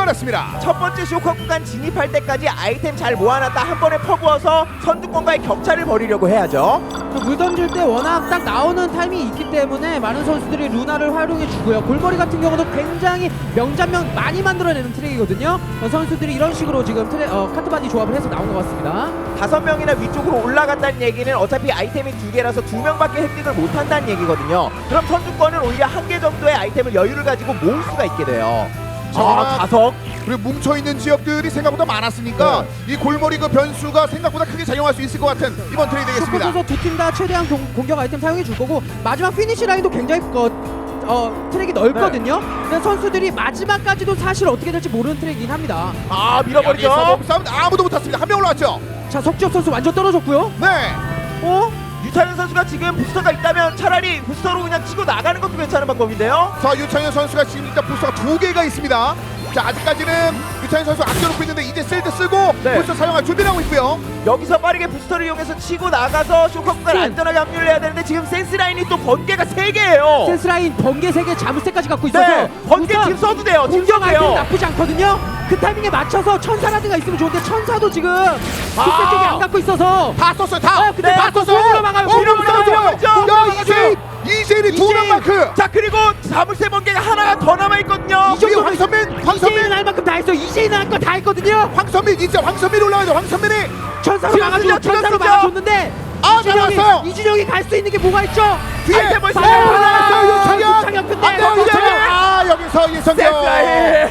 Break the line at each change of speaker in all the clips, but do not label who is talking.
밀어버렸습니다.
첫 번째 쇼커 구간 진입할 때까지 아이템 잘 모아놨다 한 번에 퍼부어서 선두권과의 격차를 벌이려고 해야죠.
물 던질 때 워낙 딱 나오는 타이밍이 있기 때문에 많은 선수들이 루나를 활용해주고요. 골머리 같은 경우도 굉장히 명장면 많이 만들어내는 트랙이거든요. 선수들이 이런 식으로 지금 카트바디 조합을 해서 나온 것 같습니다.
5명이나 위쪽으로 올라간다는 얘기는 어차피 아이템이 2개라서 2명밖에 획득을 못한다는 얘기거든요. 그럼 선두권은 오히려 1개 정도의 아이템을 여유를 가지고 모을 수가 있게 돼요. 자석
그리고 뭉쳐있는 지역들이 생각보다 많았으니까 이 골머리 그 변수가 생각보다 크게 작용할 수 있을 것 같은 이번 트레이 되겠습니다.
슈퍼서서 두 팀 다 최대한 공격 아이템 사용해 줄 거고 마지막 피니시 라인도 굉장히 트랙이 넓거든요. 근데 선수들이 마지막까지도 사실 어떻게 될지 모르는 트랙이긴 합니다.
여기서
밀어버리죠.
몸싸움 아무도 못했습니다. 한 명 올라왔죠.
자, 석지엽 선수 완전 떨어졌고요.
네.
유찬현 선수가 지금 부스터가 있다면 차라리 부스터로 그냥 치고 나가는 것도 괜찮은 방법인데요.
자, 유창현 선수가 지금 일단 부스터가 2개가 있습니다. 자, 아직까지는 유창현 선수 아껴놓고 있는데 이제 셀드 쓰고
네.
부스터 사용할 준비를 하고 있고요.
여기서 빠르게 부스터를 이용해서 치고 나가서 쇼커 구간 안전하게 합류를 해야 되는데 지금 센스 라인이 또 번개가 3개예요.
센스 라인 번개 3개 자물쇠까지 갖고 있어서
네, 번개
우선
지금 써도 돼요. 지금
공격
써도
아이템
돼요.
나쁘지 않거든요. 그 타이밍에 맞춰서 천사라든가 있으면 좋은데 천사도 지금 뒷세 쪽에 안 갖고 있어서
다 썼어요. 다.
근데
네,
다
맞고
썼어요.
위로 막아요.
어,
위로
들어가죠.
막아요.
야, 이재일이 2명 마크.
자, 그리고 자물쇠 번개가 하나가 더 남아있거든요.
이 정도 황선민.
이재인은 할 만큼 다 했어. 이재인은 할 거 다 했거든요.
황선민 진짜 황선민 올라가죠. 황선민이.
천사로
지금
막아줘.
쓰죠,
천사로
지금 쓰죠.
막아줬는데
막았어요.
이준영이 갈 수 있는 게 뭐가 있죠?
뒤에
아이템 벌써
나왔어요.
유창현
유창현.
근데
안 돼요, 유창현. 여기서
센스
이성경.
라인.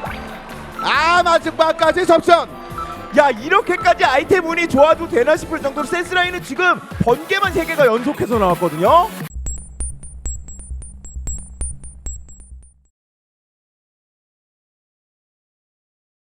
마지막까지 접전.
야, 이렇게까지 아이템 운이 좋아도 되나 싶을 정도로 센스 라인은 지금 번개만 3개가 연속해서 나왔거든요.